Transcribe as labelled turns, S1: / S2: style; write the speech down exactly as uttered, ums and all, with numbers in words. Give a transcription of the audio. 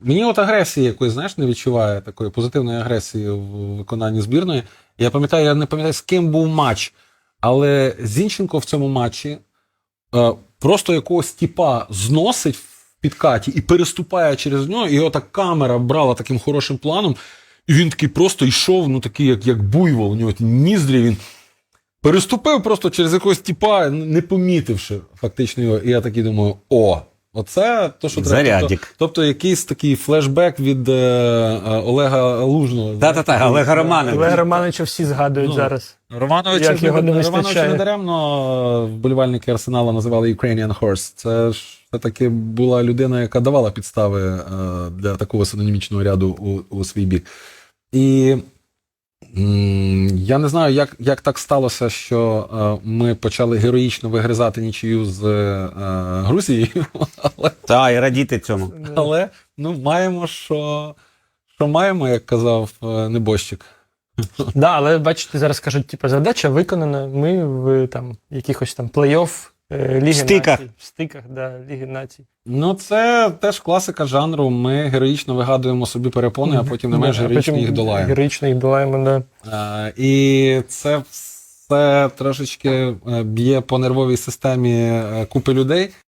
S1: Мені от агресії якоїсь, знаєш, не відчуває, такої позитивної агресії в виконанні збірної. Я пам'ятаю, я не пам'ятаю, з ким був матч, але Зінченко в цьому матчі е, просто якогось тіпа зносить в підкаті і переступає через нього, і його так камера брала таким хорошим планом, і він такий просто йшов, ну такий, як, як буйвол, у нього ті ніздрі, він переступив просто через якогось тіпа, не помітивши фактично його, і я такий думаю, о, оце то, що треба.
S2: Зарядік.
S1: Тобто, тобто якийсь такий флешбек від е, е, Олега Лужного.
S2: Та-та-та, Олега Романовича.
S3: Олега Романовича всі згадують
S1: Ну,
S3: зараз.
S1: Романовича,
S3: Як його не
S1: Романовича
S3: вистачає.
S1: не даремно вболівальники Арсенала називали Ukrainian Horse. Це ж все-таки була людина, яка давала підстави е, для такого синонімічного ряду у, у свій бік. І м, я не знаю, як, як так сталося, що е, ми почали героїчно вигризати нічию з е, Грузією, але,
S2: Та, і радіти цьому.
S1: але ну, маємо, що, що маємо, як казав е, Небожчик.
S3: Да, але бачите, зараз кажуть, типу, задача виконана. Ми в там якихось там плей-офф е, Ліги
S2: Стиках.
S3: Націй. В стиках, да, Ліги Націй.
S1: Ну, це теж класика жанру. Ми героїчно вигадуємо собі перепони, а потім не менш
S3: Да, а
S1: героїчно
S3: потім
S1: їх долаємо.
S3: Героїчно їх долаємо, да.
S1: Е, І це все трошечки е, б'є по нервовій системі е, купи людей.